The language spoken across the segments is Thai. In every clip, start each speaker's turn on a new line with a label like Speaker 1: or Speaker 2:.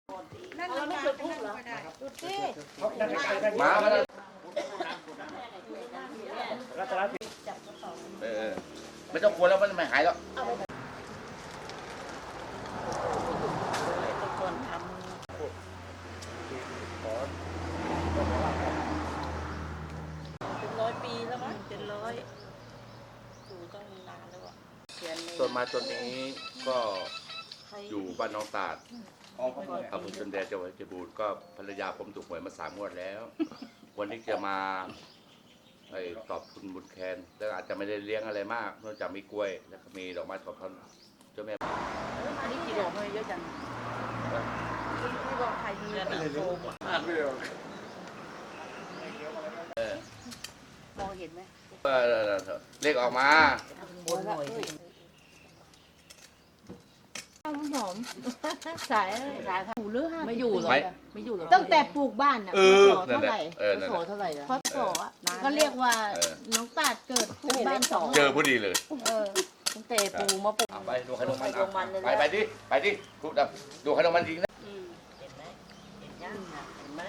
Speaker 1: นั่นเราไม่เคยพูดเหรอดูสิ
Speaker 2: มาแล้ว
Speaker 3: รัตนสิ
Speaker 2: ไม่ต้องกลัวแล้วมันไม่หายแล้ว
Speaker 1: ก่อนทำเป็น100 ปีแล้วมั้งเป็น100อยู่ต้องนานแล้วอ่ะ
Speaker 2: ต้นไม้ต้นนี้ก็อยู่บ้านน้องตาดอำเภอชนแดนจังหวัดเพชรบูรณ์ก็ภรรยาผมถูกหวยมา3 งวดแล้ว วันนี้จะมาตอบทุนบุญแคนแล้วอาจจะไม่ได้เลี้ยงอะไรมากนอกจากมีกล้วยแล้วก็มีดอกไม้ขอบคุณเจ้าแม่
Speaker 1: อันนี้กี่ดอกเลยเยอะจังที่บอกใครมีแต่โฟมมองเห็นไหม
Speaker 2: เลขออกมา
Speaker 1: บนหน่อยสิ
Speaker 4: หอมสายหูเลือด
Speaker 1: ไม่อยู่หรอไม่อยู่หรอ
Speaker 4: ตั้งแต่ปลูกบ้านน่ะพศเท่าไหร่
Speaker 1: โสเท่าไหร่ละ
Speaker 4: พศอ่ะก็เรียกว่าน้องตาดเกิดปลูกบ้าน2
Speaker 2: เจอพอดีเลย
Speaker 1: ตั้งแต่ปูมาปลูก
Speaker 2: ไปดูขนมมันไปดิไปดิดูดูขนมมันจริงนะ
Speaker 1: เห็นไหมเห็นยังเห็นไหม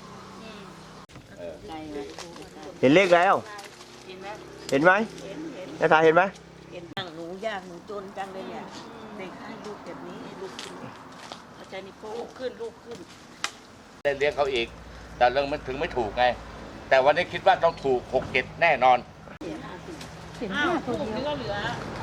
Speaker 3: เห็นเลขแล้ว
Speaker 1: เห็นไหม
Speaker 3: เห็นไหม
Speaker 1: เห็น
Speaker 3: นาตาเห็นไหม
Speaker 1: เห็นหนูยากหนูจนจังเลยเนี่ยเด็กให้ลูกแบบนี้ลูกขึ้นเข้าใจนี่ลูกขึ้นลูกขึ้น
Speaker 2: ได้เลี้ยงเขาอีก แต่เรื่องมันถึงไม่ถูกไง แต่วันนี้คิดว่าต้องถูก6 7แน่นอน
Speaker 4: เห็น
Speaker 1: อ้าว
Speaker 4: 5 ตัว
Speaker 1: ลูก
Speaker 4: เดี
Speaker 1: นี่
Speaker 4: ยว
Speaker 1: ก็เหลือ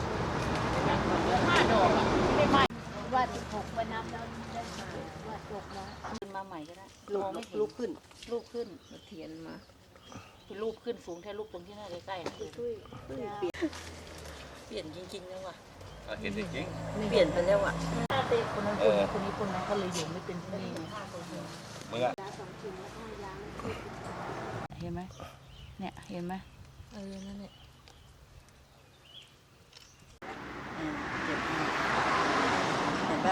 Speaker 1: 5 ดอกอ่ะไม่ไหม้
Speaker 4: ว่า6ไปนับแล้วได้มาว่าจบแล้ว
Speaker 1: ขึ้นมาใหม่ก็ได้
Speaker 4: ลูกขึ้น
Speaker 1: ลูกขึ้น
Speaker 4: เทียนมา
Speaker 1: คือรูปขึ้นสูงแค่รูปตรงที่หน้าใกล้ๆนะเปลี่ยนจริงๆแล้วว่ะ
Speaker 2: เห็นจริง
Speaker 1: เปลี่ยนไปแล้วอ่ะคนนั้นคนนี้คนนั้นก็เลยอยู่ไม่เป็นที่นี่
Speaker 2: มึงอะ
Speaker 1: เห็นไหมเนี่ยเห็นไหมนั่นแหละเห็นปะ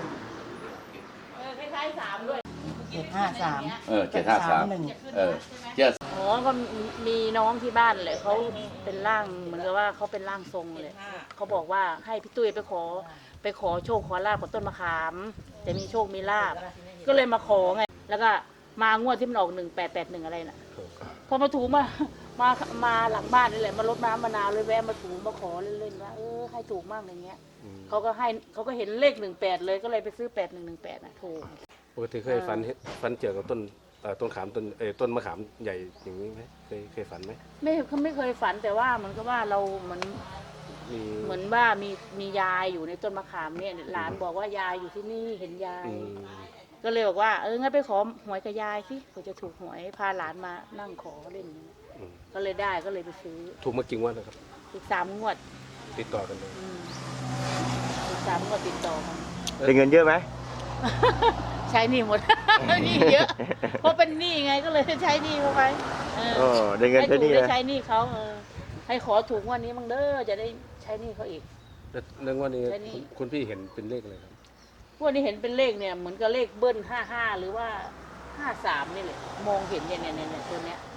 Speaker 1: 753
Speaker 2: 753
Speaker 1: อ๋อก็มีน้องที่บ้านเลยเขาเป็นร่างเหมือนกับว่าเขาเป็นร่างทรงเลยเขาบอกว่าให้พี่ตุ้ยไปขอโชคขอลาบกับต้นมะขามจะมีโชคมีลาบก็เลยมาขอไงแล้วก็มางวดที่มันออก1881อะไรน่ะพอมาถูมาหลังบ้านนี่แหละมารดน้ำมะนาวเลยแวะมาถูมาขอเล่นๆว่าให้ถูกมากอย่างเงี้ยเขาก็เห็นเลข18เลยก็เลยไปซื้อ8118น่ะถูก
Speaker 5: ปกติเคยฝันเกี่ยวกับต้นขามต้นมะขามใหญ่อย่างนี้ไหมเคยฝันไหม
Speaker 1: ไม่เคยฝันแต่ว่าเหมือนกับว่าเราเหมือนว่ามียายอยู่ในต้นมะขามเนี่ยหลานบอกว่ายายอยู่ที่นี่เห็นยายก็เลยบอกว่างั้นไปขอหวยกับยายสิเผื่อจะถูกหวยพาหลานมานั่งขอเล่นก็เลยได้ก็เลยไปซื้อ
Speaker 5: ถูกมากี่งวดแล้วครับ
Speaker 1: อีก3 งวด
Speaker 5: ติดต่อกันเลย
Speaker 1: อีก3 งวดติดต่อกัน
Speaker 3: ได้เงินเยอะไหม
Speaker 1: ใช้หนี้หมด หนี้เยอะเพราะเป็นหนี้ไงก็เลยใช้หนี้เข้าไป
Speaker 3: ได้เงิน
Speaker 1: ให้
Speaker 3: แค่
Speaker 1: ถูก
Speaker 3: นี้
Speaker 1: ได้
Speaker 3: นะ
Speaker 1: ใช้หนี้เขาให้ขอถูกงวันนี้มั่งเด้อจะได้ใช้หนี้เขาอีก
Speaker 5: แล้วงวดนี้
Speaker 1: แค่นี้
Speaker 5: คุณพี่เห็นเป็นเลขอะไรครับ
Speaker 1: งวันนี้เห็นเป็นเลขเนี่ยเหมือนกับเลขเบิ้ล55หรือว่า53นี่แหละมองเห็นเนี่ยตัวเนี้ย